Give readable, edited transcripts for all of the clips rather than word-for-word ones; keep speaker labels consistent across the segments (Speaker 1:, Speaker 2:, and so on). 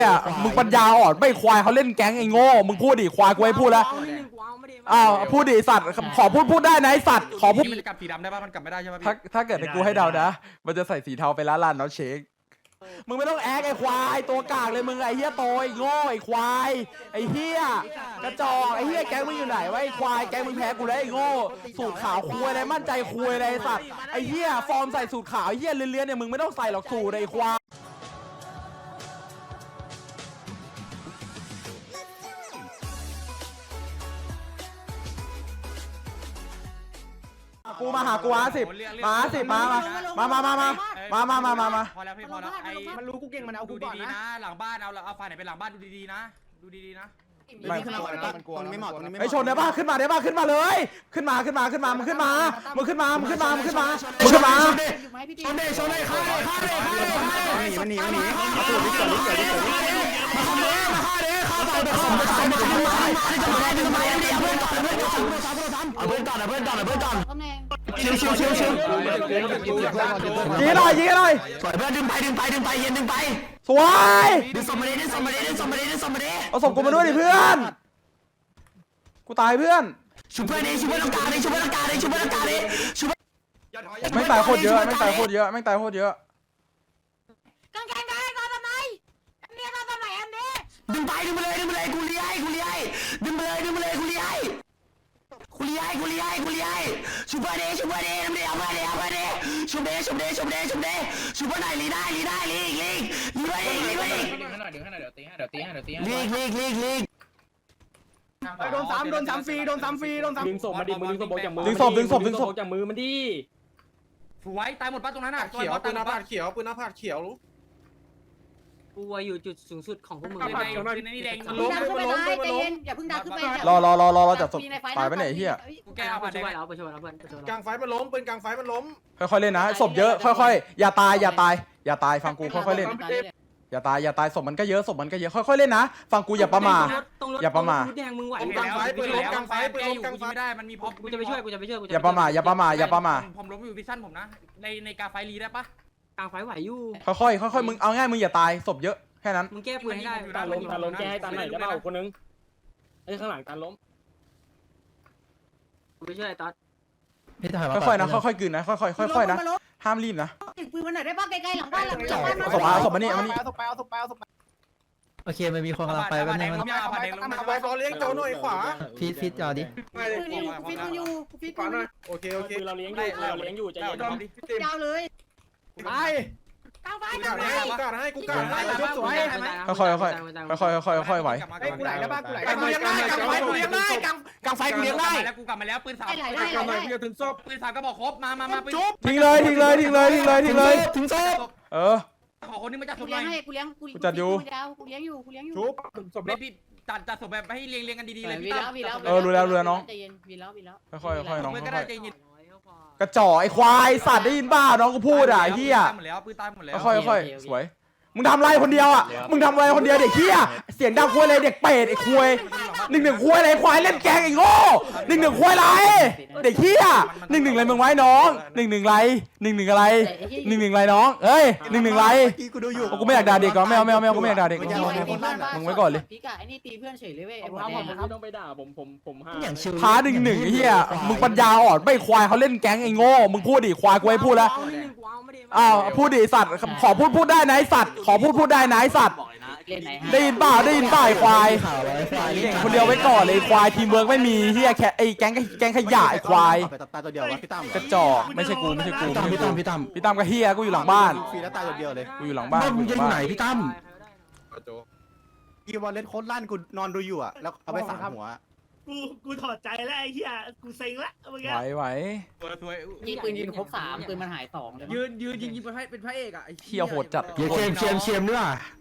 Speaker 1: เนี่ยมึงปัญญาอ่อนไม่ควายเขาเล่นแก๊งไอ้โง่มึงพูดดิควายกูให้พูดแล้วอ้าวพูดดิสัตว์ขอพูดได้นะไอ้สัตว์ขอพูด
Speaker 2: มันจะกลับสีดำได้ป่ะมันกลับไม่ได้ใช่ไหมพี่
Speaker 1: ถ้าเกิดกูให้เดานะมันจะใส่สีเทาไปร้านลานเนาะเชคมึงไม่ต้องแอคไอ้ควายตัวกากเลยมึงไอ้เหี้ยโตไอ้โง่ไอ้ควายไอ้เหี้ยกระจอกไอ้เหี้ยแก๊งมึงอยู่ไหนวะไอ้ควายแก๊งมึงแพ้กูแล้วไอ้โง่สูตรขาวคุยอะไรมั่นใจคุยอะไรไอ้สัตว์ไอ้เหี้ยฟอร์มใส่สูตรขาวไอ้เหี้ยเลื้อนๆเนี่ยมึงไม่ต้องใส่หรอกสูตรไอ้ควายกูมาหากูมา10มา
Speaker 2: พอแล้วพี่พอแล้วไอ้
Speaker 3: มันรู้กูเก่งมันเอา
Speaker 2: ดู
Speaker 3: กูก่อน
Speaker 2: ดีๆ
Speaker 3: นะ
Speaker 2: นะหลังบ้านเอาไฟไหนไปหลังบ้านดูดีๆนะดูดีๆนะ
Speaker 1: ไม่
Speaker 3: มันกลัวไม่เหมาะตรงนี้ไม่
Speaker 1: ไอ้ชนได้ป่ะขึ้นมาเลยขึ้นมามึงขึ้นมาชนเลยฆ่าเลย
Speaker 3: มันหนีมาตูดลิเกิด
Speaker 1: มาฆ่าเลยฆ่าต่อเดี๋ยวเอาเพื่อนก่อนชิวยิงหน่อยสวยเพื่อนดึงไปเย็นดึงไปสวยดึงสมมาดิเอาศพกูมาด้วยดิเพื่อนกูตายเพื่อนชุบเพื่อนร่างกายดิไม่ตายโคตรเยอะกางแกง
Speaker 4: นอนทำไมแอมเนียนอนทำไมแอมเนีย
Speaker 1: ดึงไปเลยกูเลี้ยดึงไปเลยกูเลี้ยชุบเพื่อนดิน้ำเดียวชุบเพื่อนไหนลีได้ลีไปอีกลี
Speaker 3: โดนซ้ำฟรี
Speaker 5: ดึงศพมาดิมึงดึงศพจากมือ
Speaker 1: ดึงศพ
Speaker 5: จากมือมันดิ
Speaker 2: สวยตายหมดป่ะตรงนั้นอ่ะ
Speaker 3: เขียวปืนหน้าผาดเขียวรู้
Speaker 6: กูอยู่จุดสูงสุดของพวกมึง
Speaker 2: ในนี่แดง
Speaker 3: ล้ม
Speaker 4: ใจเย็นอย่าเพิ่งดันขึ้นไป
Speaker 1: รอจับศพตายไปไหนเฮีย
Speaker 2: กูแก้เอา
Speaker 6: ไป
Speaker 2: ผ่าน
Speaker 6: ช่วย
Speaker 2: ได้
Speaker 6: เราไปช่วยเราเพื่อนไปช่วย
Speaker 3: กลางไฟมันล้มปืนกลางไฟมันล้ม
Speaker 1: ค่อยๆเล่นนะศพเยอะค่อยๆอย่าตายฟังกูค่อยๆเล่นอย่าตายศพมันก็เยอะค่อยๆเล่นนะฟังกูอย่าประมาท
Speaker 6: แดงมึงไหว
Speaker 2: ไม่ได้มันมีพอ
Speaker 6: กูจะไปช่วย
Speaker 1: อย่าประมาท
Speaker 2: ผมล้มอยู่วิชั่นผมนะในกาไฟรีได้ปะ
Speaker 6: กลางไฟไหวอยู่
Speaker 1: ค่อยๆมึงเอาง่ายมึงอย่าตายศพเยอะแค่นั้น
Speaker 6: มึงแก้ปืนให้ได้
Speaker 5: ตาล้มแกให้ตาไหนจะเปล่าคนนึงไอ้ข้างหลังตาล้ม
Speaker 6: กูไปช่วยไอ้ต๊อด
Speaker 1: ค่อยๆนะค่อยๆกลืนนะค่อยๆนะห้ามรีบนะ
Speaker 4: ติดปืนมันไหนได้บ้างใกล้ๆหลังบ้าน
Speaker 1: ศพมานี่
Speaker 7: โอเคมันมีคนกำลังไปแป๊บนึง
Speaker 3: เอาไปฟอเลี้ยงโจหน่อยขวา
Speaker 7: ฟีดจอดิ
Speaker 4: ฟิตมันอยู่
Speaker 3: ขวาหน่อยโอเค
Speaker 5: คือเราเลี้ยงอยู่ใจเย็น
Speaker 4: ยาวเลย
Speaker 3: ไป
Speaker 4: กลางไฟ
Speaker 3: กูกาดให้สวย
Speaker 1: ค่อยๆไหว
Speaker 3: กูไหลได้ป่ะกูเลี้ยงได้กลางไฟกูเลี้ยงได้กลางไฟกูเลี้ยงได้
Speaker 2: แล้วกูกลับมาแล้วปืนสาม
Speaker 4: ได้
Speaker 3: ถึงศพ
Speaker 2: ปืนสามก็บอกครบมาปืน
Speaker 1: ทิ้งเลยถึงศพ
Speaker 2: ขอคนนี้มาจัดศ
Speaker 4: กู
Speaker 2: พห
Speaker 4: เลี้
Speaker 2: น่
Speaker 4: ย
Speaker 2: อง ย
Speaker 4: ให้กูเลี้ยงกูเลี้ยงอยู่
Speaker 3: ชุบศพ
Speaker 2: ไม่พี่จัดศพแบบให้เรียงกันดีๆเลยพี่ตั้ม
Speaker 4: รู้น้องใจเย็นวีแล้ว
Speaker 1: ค่อยๆน้อง
Speaker 2: เพื่อนก็ได้ใจเย็น
Speaker 1: กระจอกไอ้ควายสัตว์ได้ยินบ้าน้องกูพูดอ่ะไอ้เหี้ย
Speaker 2: หมดแล้วปืนตายหมดแล้ว
Speaker 1: ค่อยๆสวยมึงทำอะไรคนเดียวอ่ะมึงทำอะไรคนเดียวเด็กเหี้ยเสียงดังควายเลยเด็กเป็ดไอ้ควาย1-1ควายอะไรควายเล่นแกงไอ้โง่1-1ควายอะไรเด็กเหี้ย1-1อะไรมึงไว้น้อง1-1ไร1-1อะไร1-1ไรน้องเอ้ย1-1ไร
Speaker 3: กูดูอยู่
Speaker 1: กูไม่อยากด่าเด็กก่อนไม่เอากูไม่อยากด่าเด็กมึงไว้ก่อนเลย
Speaker 4: พี่กะไอ้นี่ตีเพื่อนเฉยเลยเว้ย
Speaker 5: ผมไม่ต้องไปด่าผมห้า
Speaker 7: อย่างชิว
Speaker 1: ท้า1-1ไอ้เหี้ยมึงปัญญาอ่อนไม่ควายเขาเล่นแก๊งไอ้โง่มึงพูดดิควายกูให้พูดแล้วอ้าวพูดดิสัตว์ขอพูดได้นะไอ้สัตว์ขอพูดได้นะไอ้สัตว์ได้ยินเปล่าไอ้ควายเก่งคนเดียวไว้ก่อนเลยควายทีมเวิร์กไม่มีเฮียแค่ไอ้แก๊งขยะไอ้ควาย
Speaker 3: ตายตัวเดียววะพี่ตั้ม
Speaker 1: กระจอกไม่ใช่กูพี่ตั้มกับเฮียกูอยู่หลังบ้าน
Speaker 3: ฟรีแล้วตายตัวเดียวเลย
Speaker 1: กูอยู่หลังบ้านมึงจะไหนพี่ตั้ม
Speaker 3: กีวอลเล่นโคตรลั่นกูนอนดูอยู่อ่ะแล้วเอาไป3หัว
Speaker 8: กูถอดใจแล้วไอ้เหี้ยกูเซ็งละเมื่อกี้
Speaker 1: ไหว
Speaker 4: ยิงปืนยิงครบ3ปืนมันหาย2เลย
Speaker 2: ยืนยิงเป็นพระเอกอ่ะ
Speaker 1: เฮียโหดจัด
Speaker 7: เชียมด้วย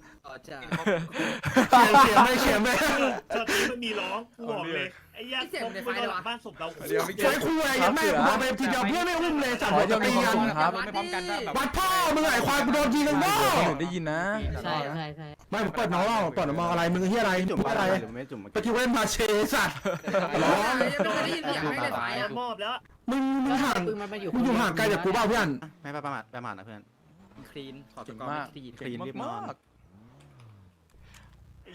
Speaker 7: ไม่เชียมเลย
Speaker 8: ตอนนี้มันมีร้องกูบอกเลยไอ้เหี้ยผมไปนอนหลังบ้านศพเรา
Speaker 7: ใช้คู่อะไรยังแม่กูมาเป็นทีเดียวเพื่อนไม่อุ้มเลยสั่ง
Speaker 1: ขอ
Speaker 7: จะ
Speaker 1: จะ
Speaker 7: ตี
Speaker 1: มี
Speaker 7: กัน
Speaker 1: ครับ
Speaker 2: ไม่พร้อมกันแบบ
Speaker 7: วัดพ่อมึงไอ้ควายกูโดนยิงกันบ้า
Speaker 1: ได้ยินนะ
Speaker 4: ใช่
Speaker 7: ไม่ผมเปิดน้องเปิดมองอะไรมึงเฮียอะไร
Speaker 3: จุ่ม
Speaker 7: อะไร
Speaker 3: ไม่จุ่ม
Speaker 7: ไปที่เว้นมาเชสัตว์
Speaker 8: มอบแล้ว
Speaker 7: มึงห่าง
Speaker 4: ปืนมันมาอยู่
Speaker 7: มึงอยู่ห่างไกลจากกูเปล่าเพื่อน
Speaker 3: ไม่ประมาทนะเพื่อน
Speaker 2: คลีน
Speaker 1: เก่งมาก
Speaker 3: คลีนรีบนอน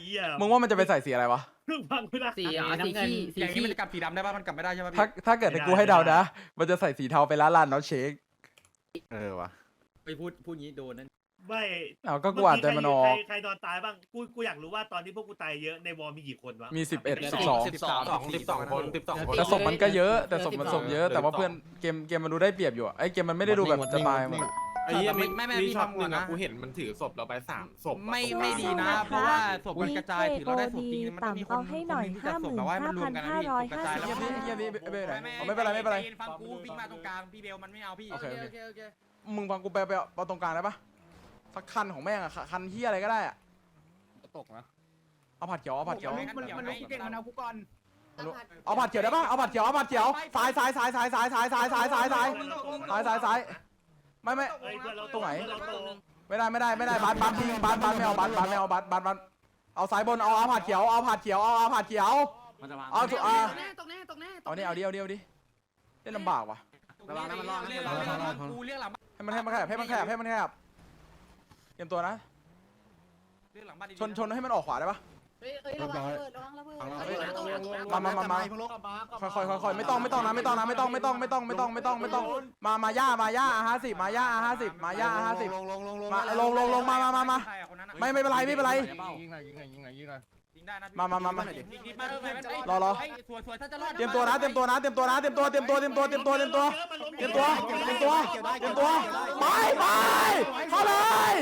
Speaker 8: เหี้ย
Speaker 1: มึงว่ามันจะไปใส่สีอะไรวะ
Speaker 8: เพิ่งฟังไม่ได้
Speaker 6: สีน้ำเงินสี
Speaker 2: อย่างนี้
Speaker 6: ขี้
Speaker 2: มันจะกลับสีดำได้ป่ะมันกลับไม่ได้ใช่ป่ะพี่
Speaker 1: ถ้าเกิดให้กูให้เดานะ มันจะใส่สีเทาไปร้านลานน้องเชค
Speaker 7: วะ
Speaker 2: ไปพูดงี้โดนนั่น
Speaker 8: ไม่
Speaker 1: เอาก็กูอ่านใจมันออก
Speaker 8: ใครนอนตายบ้างกูอยากรู้ว่าตอนที่พวกกูตายเยอะในวอลมีกี่คนวะ
Speaker 1: มี11 12
Speaker 3: คน
Speaker 1: แต่ศพมันก็เยอะแต่ศพมันศพเยอะ แต่ว่าเพื่อนเกมมันดูได้เปรียบอยู่อะไอ้เกมมันไม่ได้ดูแบบจะตายหมดอะ
Speaker 3: ไอ้เหี้ย
Speaker 2: ไม่
Speaker 3: มี
Speaker 2: พี่
Speaker 3: ช็อต
Speaker 2: ทำ
Speaker 3: ห
Speaker 2: ก่
Speaker 3: นึ่
Speaker 2: อน
Speaker 3: ง
Speaker 2: นะ
Speaker 3: อะกูเห็นมันถือศพเราไป3 ศพอะ
Speaker 2: ไม่ดีนะ เพราะว่าศพมันกระจายถือเราได้ศพจริงมันต้องมีคนที่จะศพแต่ว่ามันรวมกันนะพี่ศพกระจายแล้ว
Speaker 1: เฮียนี่ไม่เป็นไรไม่เป็นไร
Speaker 2: ฟังกูวิ่งมาตรงกลางพี่เบลมันไม่เอาพี่
Speaker 1: โอเคมึงฟังกูไปเอาตรงกลางได้ปะสักคันของแม่งอะคันเฮียอะไรก็ได้อะ
Speaker 2: ตกนะ
Speaker 1: เอาผัดเขียวเอาผัดเขียว
Speaker 2: มันรู้กูเก่งมันเอากูก่อน
Speaker 1: เอาผัดเขียวได้ปะเอาผัดเขียวซ้ายไม่
Speaker 8: เฮ้ยเพื่อนเรา
Speaker 1: ตรงไหน
Speaker 8: เพื่อเราโต
Speaker 1: ไม่ได้บัสทิ้งบัสไม่เอาบัสไม่เอาบัสเอาซ้ายบนเอาผัดเขียวเอาผัดเขียวเอาสุเอานี่เอาดิเล่นลำบากว่ะ
Speaker 2: ระวังนะมันรอดกูเรียกหลัง
Speaker 1: ให้มันขยับเตรียมตัวนะ
Speaker 2: เรียกหลังบ้านดี
Speaker 1: ชนให้มันออกขวาได้ปะ
Speaker 4: ระวังระเบิดระวังระเบิด
Speaker 1: มาค่อยไม่ต้องนะมาย่า50มาลงมาไม่เป็นไร
Speaker 2: ยิงได้นะ
Speaker 1: มารอ
Speaker 2: สวยถ้าจะรอด
Speaker 1: เตรียมตัวนะไปเข้าเลย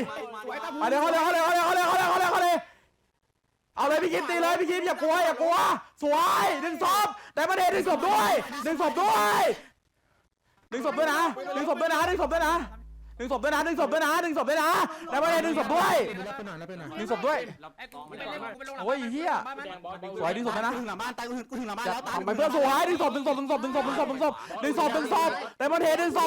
Speaker 1: เอาเลยพี่คิดตีเลยพี่คิดอย่ากลัวสวยดึงศพแต่ประเด็นดึงศพด้วยดึงศพด้วยนะแต่ประเด็นดึงศพด้วยดึงศพด้วยโอ้ยเฮียสวยดึงศพนะ
Speaker 7: ถึงหลังบ้านตายกูถึงหลังบ้านแล้วตาย
Speaker 1: ไปเพื่อนสวยดึงศพแต่ประเด็นดึงศพ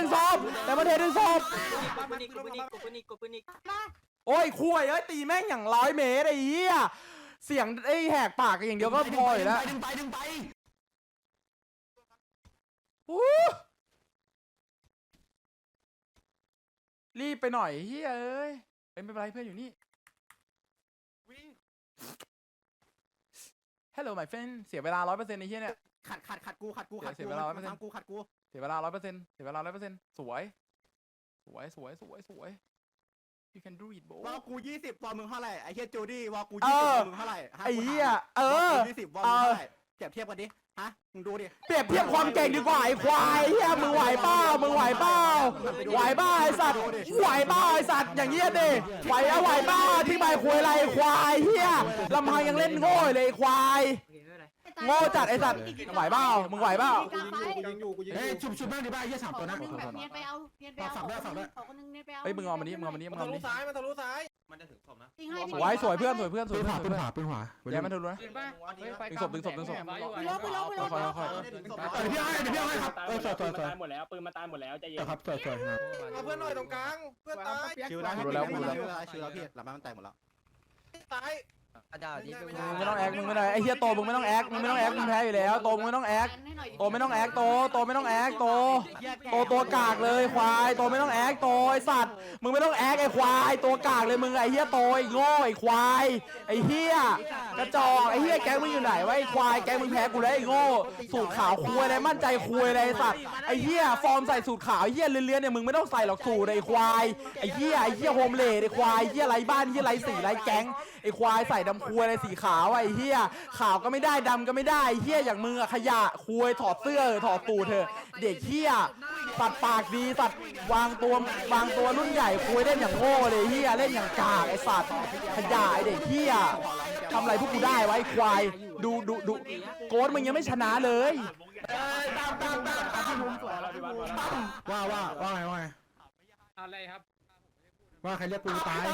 Speaker 1: โอ้ยคุยตีแม่งอย่าง100 เมตรไอ้เหี้ยเสียงไอ้แหกปากอย่างเดียวก็พออยู่แล้ว
Speaker 7: ดึงไป
Speaker 1: รีบไปหน่อยเฮ้ยเอ้ยไม่เป็นไรเพื่อนอยู่นี่ Hello my friend เสียเวลา 100%ไอ้เหี้ยเนี่ย
Speaker 7: ขัดกู
Speaker 1: เสียเวลา 100%
Speaker 7: ขัดกู
Speaker 1: เสียเวลา 100%สวย you can do it bro
Speaker 7: วอลกู20วอลมึงเท่าไหร่ไอ้เหี้ยจูดี้วอลกู
Speaker 1: เออ
Speaker 7: 20มึงเท่าไหร่
Speaker 1: ไอ้เหี้ยวอลกู
Speaker 7: 20วอลมึงเท่าไหร่เปรียบเทียบกันดิฮะมึงดูดิ
Speaker 1: เปรียบเทียบความเก่งดีกว่าไอ้ควายเหี้ยมึงไหวเปล่าไอ้สัตว์อย่างเงี้ยดิไหวเปล่าที่ใบคุยอะไรไอ้ควายเหี้ยลำพังยังเล่นโง่เลยไอ้ควายโง่จัดไอ้สัตว์ไหวเปล่ามึงไหวเปล่า
Speaker 7: เฮ้ยชุบบ้างดิบ้าไอ้เหี้ย3 ตัวนะ
Speaker 4: เนียนไปเอาขอคนนึงเนียนไปเอา
Speaker 1: เฮ้ยมึงเอามานี้
Speaker 3: มันทะลุซ้ายมันจะถึงศพนะ
Speaker 4: ยิงให้
Speaker 1: ไว้สวยเพื่อนแย่มันทะลุนะ ดึงศพ
Speaker 4: ไปลบ
Speaker 1: ค่อย
Speaker 7: เดี๋ยวพี่ให้ครับสวย
Speaker 5: ปืนมันตายหมดแล้วใจเย็น
Speaker 7: ครับสวยครับ
Speaker 3: เอาเพื่อนหน่อยตรงกลางเพื่อนตาย
Speaker 7: ชิวแล้วพี่หลังบ้านมันแตกหมดแล้ว
Speaker 3: ตาย
Speaker 1: มึงไม่ต้องแอคมึงไม่ได้ไอ้เหี้ยโตมึงไม่ต้องแอคมึงแพ้อยู่แล้วโตมึงไม่ต้องแอคโตไม่ต้องแอคโตตัวกากเลยควายโตไม่ต้องแอคโตไอ้สัตว์มึงไม่ต้องแอคไอ้ควายตัวกากเลยมึงไอ้เหี้ยโตไอ้โง่ไอ้ควายไอ้เหี้ยกระจอกไอ้เหี้ยแก๊งมึงอยู่ไหนวะไอ้ควายแก๊งมึงแพ้กูแล้วไอ้โง่สูตรขาวคุยอะไรมั่นใจคุยอะไรไอ้สัตว์ไอ้เหี้ยฟอร์มใส่สูตรขาวไอ้เหี้ยเลื้อนๆเนี่ยมึงไม่ต้องใส่หรอกสูตรไอ้ควายไอ้เหี้ยโฮมเลดไอ้ควายไอ้เหี้ยไรบ้านไอ้เหี้ยไรสีไรแก๊งไอ้ควายใส่ดำคุยอะไรสีขาวไอ้เหี้ยขาวก็ไม่ได้ดำก็ไม่ได้ไอ้เหี้ยอย่างมึงอะขยะคุยถอดเสื้อถอดตูดเถอะเด็กเหี้ยตัดปากดีตัดวางตัวรุ่นใหญ่คุยเล่นอย่างโง่เลยเหี้ยเล่นอย่างกากไอ้สัตว์ขยะไอ้เด็กเหี้ยทำอะไรพวกกูได้ไว้ควายดูโกดมึงยังไม่ชนะเลย
Speaker 7: ว่าไง
Speaker 2: อะไรครับ
Speaker 7: ว่าใครเรียกกูตาย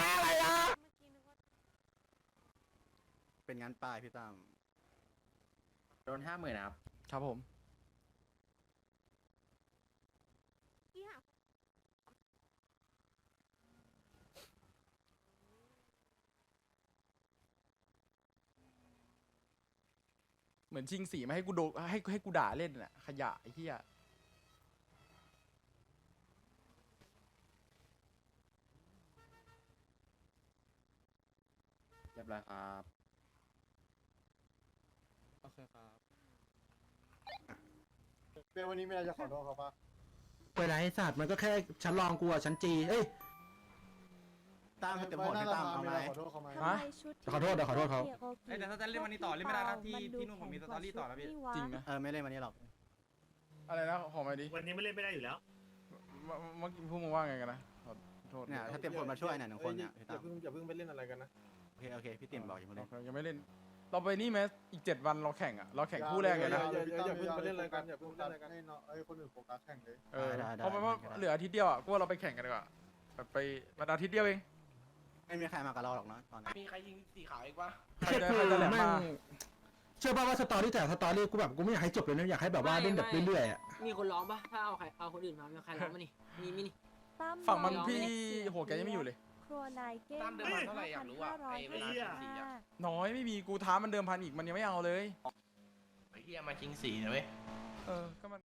Speaker 7: เป็นงานป้ายพี่ตั้ม
Speaker 2: โดน 50,000ครับ
Speaker 1: ครับผมเหมือนชิงสีมาให้กูโดให้กูด่าเล่นน่ะขยะไอ้เหี้ย
Speaker 5: บร้อยครับ
Speaker 1: โอเคครับ
Speaker 9: เป้วันนี้ไม่ได้จะขอโทษเขาปะ
Speaker 7: ไปไหนสัตว์มันก็แค่ชั้นรองกูอะชั้นจีเอ้ยตามให้เต็มหมดพี่ตามเอาไหม
Speaker 9: ขอโทษเขาไหม
Speaker 1: ฮะ
Speaker 7: ขอโทษเดี๋ยวขอโทษเขา
Speaker 2: แต่ถ้าจะเล่นวันนี้ต่อเล่นไม่ได้นะที่นู่นผมมีสตอรี่ต่อแล้วพี่
Speaker 1: จริงนะ
Speaker 7: ไม่เล่นวันนี้หรอก
Speaker 1: อะไรนะขอมาดิ
Speaker 8: วันนี้ไม่เล่นไม่ได้อยู่แล้ว
Speaker 1: เมื่อกี้พวกมึงว่าไงกันนะขอโทษ
Speaker 7: เนี่ยถ้าเต็มคนมาช่วยเนี่ยหนึ่งคนเนี่ยพี่
Speaker 9: อ
Speaker 7: ตาม
Speaker 9: ย่าเพิ่งไปเล่นอะไรกันนะ
Speaker 7: โอเคพี่ติ๋มบอกอย่ามาเล่น
Speaker 1: ยังไม่เล่นเราไปนี่ไหมอีก7 วันเราแข่งอ่ะเราแข่งคู่แรกเลยนะ
Speaker 9: อย่าเพิ่งไปเล่นอะไรกันอย่าเพิ่งเล่นอะไรกันให้น้องคนอื่นโฟกัสแข่งเลย
Speaker 1: เพราะมันว่าเหลืออาทิตย์เดียวอ่ะกูว่าเราไปแข่งกันดีกว่าแบบไปวันอาทิตย์เดียวเอง
Speaker 7: ไม่มีใครมากับเราหรอกนะตอนนี้
Speaker 3: มีใครยิงสีขาวอีกปะ
Speaker 1: ใครจะแหลมมา
Speaker 7: เชื่อป่ะว่าสตอรี่แต่สตอรี่กูแบบกูไม่อยากให้จบเลยนะอยากให้แบบว่าเล่นแบบเรื่อยๆอ่ะ
Speaker 6: มีคนร้องปะถ้าเอาคนอื่นมามีใครร้องมานี่มีนี่
Speaker 1: ฝั่งมันพี่โหแกยังไม่อยู่เลย
Speaker 4: ครัวนายเก้ง
Speaker 3: ตามเดิมพันเท่าไหร่อยากรู้อ่ะไอ้เวลาสีอ่ะ
Speaker 1: น้อยไม่มีกูท้ามันเดิมพันอีกมันยังไม่เอาเลย
Speaker 3: ไอ้เหี้ยมาชิงสีนะเว้ย
Speaker 1: ก็มัน